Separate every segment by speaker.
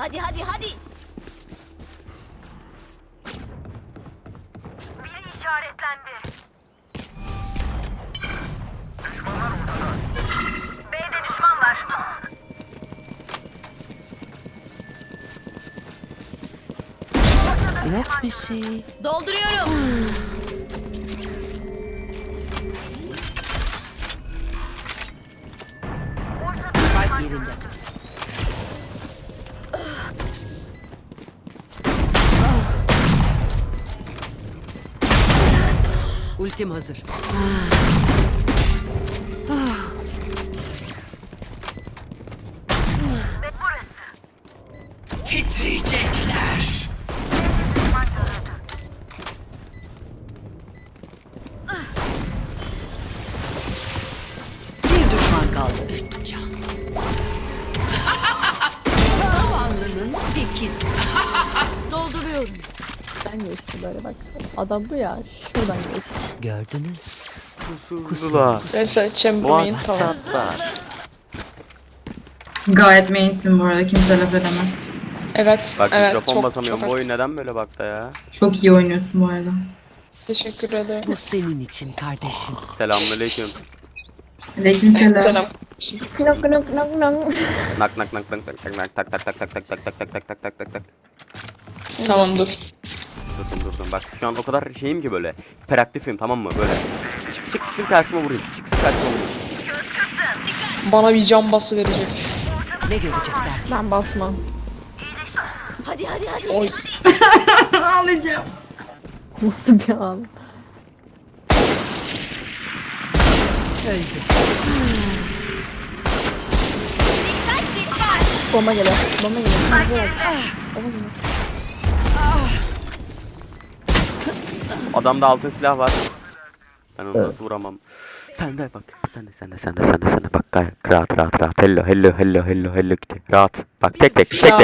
Speaker 1: Hadi hadi hadi.
Speaker 2: Biri işaretlendi. B'de düşman var.
Speaker 3: Yok bir şey.
Speaker 1: Dolduruyorum.
Speaker 3: Spike yerinde. Ultim hazır.
Speaker 2: Ve burası.
Speaker 3: Titriyecekler. Bir düşman kaldı. Can. Zavallının ikisi.
Speaker 1: Dolduruyorum.
Speaker 4: Ben geçti böyle bak. Adam bu ya. Şuradan geçti.
Speaker 3: Gördünüz.
Speaker 5: Kusula.
Speaker 6: Neyse Chamberlain tamam.
Speaker 5: WhatsApp'ta.
Speaker 7: Gayet mainsin bu arada, kimse laf edemez.
Speaker 6: Evet,
Speaker 5: Bak
Speaker 6: evet
Speaker 5: mikrofon basamıyorum.
Speaker 6: çok
Speaker 5: Bu oyun neden böyle bakta ya?
Speaker 7: Çok iyi oynuyorsun bu arada.
Speaker 6: teşekkür ederim.
Speaker 3: Bu senin için kardeşim.
Speaker 5: Selamünaleyküm.
Speaker 7: Aleykümselam.
Speaker 6: Selam.
Speaker 4: Nok nok nok nok.
Speaker 5: Nak nak nak nak tak tak tak tak tak tak tak tak tak tak tak tak tak tak tak.
Speaker 6: Tamam dur.
Speaker 5: Durdum. Bak şu an o kadar şeyim ki böyle. Hiperaktifim, tamam mı? Böyle. Çıksın karşıma vurayım. Çıksın karşıma vurayım.
Speaker 6: Bana bir can bası verecek.
Speaker 3: Ne görecekler?
Speaker 4: Ben basmam.
Speaker 1: Hadi hadi hadi.
Speaker 6: Oy.
Speaker 7: Ağlayacağım.
Speaker 4: Nasıl bir an?
Speaker 3: Öldü.
Speaker 1: Dikkat dikkat.
Speaker 4: Bomba geliyor. Bomba geliyor. Bomba geliyor. Bomba geliyor.
Speaker 5: Adamda altın silah var. Ben onu nasıl vuramam. Sen de bak. Sen de bak. Gayet rahat. Hello gitti. Rahat. Bak tek.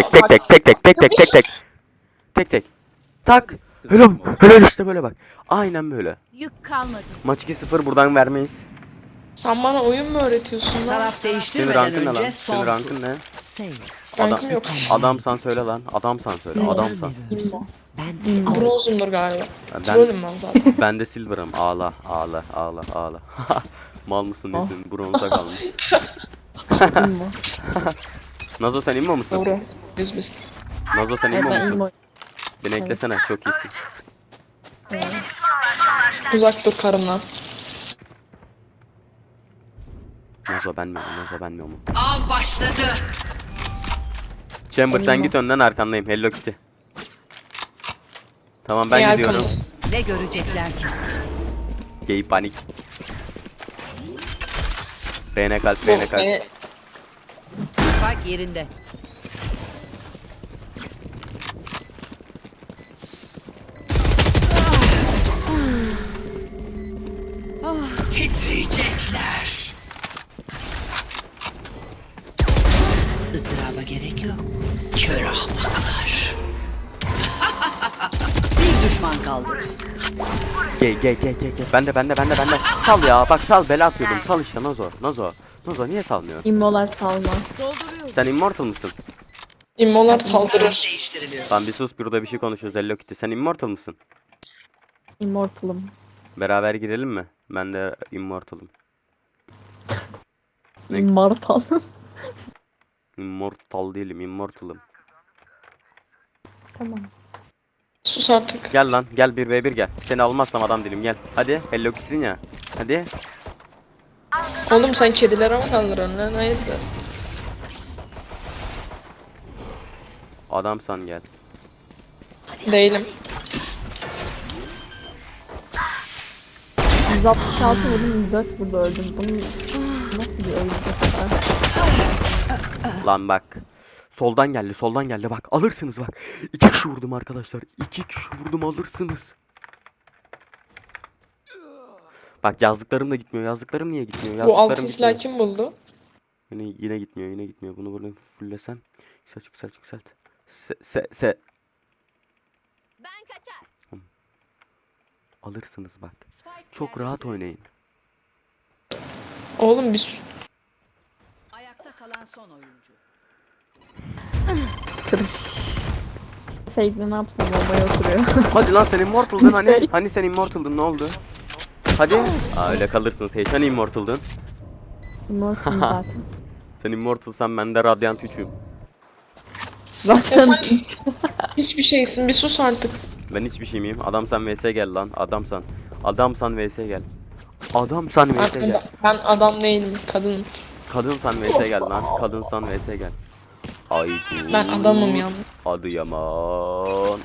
Speaker 5: Tek. Tak. Hello işte böyle bak. Aynen böyle.
Speaker 1: Yük kalmadı.
Speaker 5: Maç 2-0 buradan vermeyiz.
Speaker 6: Sen bana oyun mu öğretiyorsun lan?
Speaker 3: Taraf
Speaker 5: Senin
Speaker 3: değiştirmeden
Speaker 5: rankın ne
Speaker 3: önce
Speaker 5: lan?
Speaker 3: son
Speaker 5: Senin
Speaker 3: tur.
Speaker 5: rankın ne?
Speaker 3: Save.
Speaker 6: Rankım yok.
Speaker 5: Adamsan söyle lan. Adamsan söyle.
Speaker 3: Sen
Speaker 5: Adamsan.
Speaker 3: can veriyorsun. Ben
Speaker 6: Bronzumdur galiba.
Speaker 5: Ben,
Speaker 6: Trollüm ben zaten.
Speaker 5: ben de silver'ım. Ağla. Mal mısın nesin? Bronza kalmış.
Speaker 4: İmmo.
Speaker 5: Nazo sen immo musun?
Speaker 6: Doğru. Biz.
Speaker 5: Nazo sen
Speaker 4: Evet
Speaker 5: immo
Speaker 4: ben
Speaker 5: musun?
Speaker 4: immo.
Speaker 5: Beni eklesene, çok iyisin.
Speaker 6: Uzak dur karımdan.
Speaker 5: Nazo ben mi?
Speaker 3: av başladı.
Speaker 5: Chamber sen git önden, arkandayım. Hello Kitty. Tamam ben
Speaker 6: İyi
Speaker 5: gidiyorum.
Speaker 6: arkamdasın.
Speaker 3: Ne görecekler ki?
Speaker 5: Gay panik. Reyne kalp.
Speaker 6: Beni
Speaker 3: Spike yerinde. Titriyecekler. Izdıraba gerek yok. Kör ahmaklar. Bir düşman kaldı.
Speaker 5: Gay. Ben de. Sal ya, bak sal, bela atıyordum. Sal işte Nazo. Nazo niye salmıyor?
Speaker 4: İmmolar salmaz.
Speaker 1: Dolduruyorum.
Speaker 5: Sen immortal mısın?
Speaker 6: immolar saldırır.
Speaker 3: Değiştiriliyor.
Speaker 5: Lan bir sus, burada bir şey konuşuyoruz Hello Kitty. Sen immortal mısın?
Speaker 4: Immortal'ım.
Speaker 5: Beraber girelim mi? Ben de immortalım. Ne?
Speaker 4: Immortal.
Speaker 5: Immortal değilim, immortalım.
Speaker 4: Tamam.
Speaker 6: Sus artık.
Speaker 5: Gel lan, gel 1v1 gel. Seni almazsam adam değilim, gel. Hadi, Hello Kitty'sin ya. Hadi.
Speaker 6: Oğlum sen kedilere mi kaldırıyorsun lan? Hayırdır?
Speaker 5: Adamsan gel.
Speaker 6: Değilim.
Speaker 4: 166 vurdum 104 burada öldüm. Bunun nasıl bir oyun bu kadar?
Speaker 5: Lan bak. Soldan geldi bak. Alırsınız bak. 2 kişi vurdum arkadaşlar. 2 kişi vurdum, alırsınız. Bak yazdıklarım da gitmiyor. Yazdıklarım niye gitmiyor?
Speaker 6: Bu
Speaker 5: Yazdıklarım
Speaker 6: altın silah kim buldu?
Speaker 5: Yine gitmiyor. Bunu böyle fullesem. Yükselt.
Speaker 1: Ben kaçar.
Speaker 5: Alırsınız bak. Çok rahat oynayın.
Speaker 6: Oğlum bir
Speaker 3: Ayakta kalan son oyuncu.
Speaker 4: Kırış. Fake'le ne yapsın? Bombaya oturuyor.
Speaker 5: Hadi lan sen immortaldın hani? Hani sen immortaldın ne oldu? Hadi. Aa öyle kalırsın Sage. Hani immortaldın?
Speaker 4: Immortal'ım zaten.
Speaker 5: Sen immortalsan ben de Radiant 3'üm.
Speaker 4: Zaten
Speaker 6: Hiçbir şeysin bir sus artık.
Speaker 5: Ben hiçbir şey miyim? Adamsan vs gel lan. Adamsan. Adamsan vs gel. Adamsan vs gel.
Speaker 6: Ben adam değilim kadınım.
Speaker 5: Kadınsan vs gel lan. Kadınsan vs gel. Ay.
Speaker 6: Ben adamım ya.
Speaker 5: Adıyaman.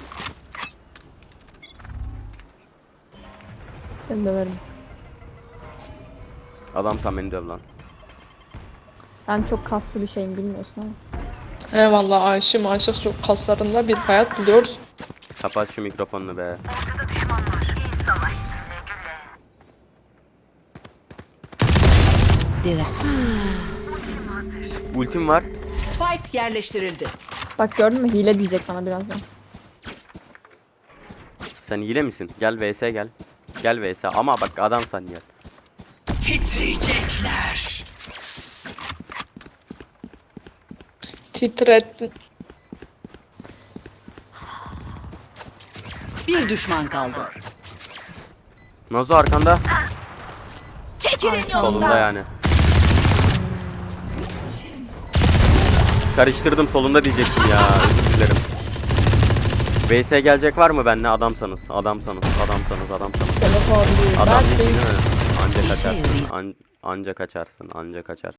Speaker 4: seni döverim.
Speaker 5: Adamsan beni döv lan.
Speaker 4: Ben çok kaslı bir şeyim bilmiyorsun ama.
Speaker 6: Eyvallah aşık çok kaslarında bir hayat buluyoruz.
Speaker 5: Kapat şu mikrofonunu be.
Speaker 2: Ortada düşman var. İyi savaştın güle güle.
Speaker 3: Direk.
Speaker 5: Ultim var.
Speaker 3: Spike yerleştirildi.
Speaker 4: Bak gördün mü? Hile diyecek bana birazdan.
Speaker 5: Sen hile misin? Gel vs gel. Gel vs ama bak adamsan gel.
Speaker 3: Titriyecekler.
Speaker 6: Titrettin.
Speaker 3: Bir düşman kaldı.
Speaker 5: Nazo arkanda.
Speaker 1: Çekilin
Speaker 5: Solunda
Speaker 1: yolumdan.
Speaker 5: yani. Karıştırdım solunda diyecektim ya. Özür dilerim. VS gelecek var mı benimle adamsanız? Adamsanız.
Speaker 4: Telefon değil.
Speaker 5: Adam
Speaker 4: Ben
Speaker 5: değilsin
Speaker 4: değil.
Speaker 5: değil mi? Anca
Speaker 3: İşe
Speaker 5: kaçarsın.
Speaker 3: yarayın.
Speaker 5: Anca kaçarsın. Anca kaçarsın.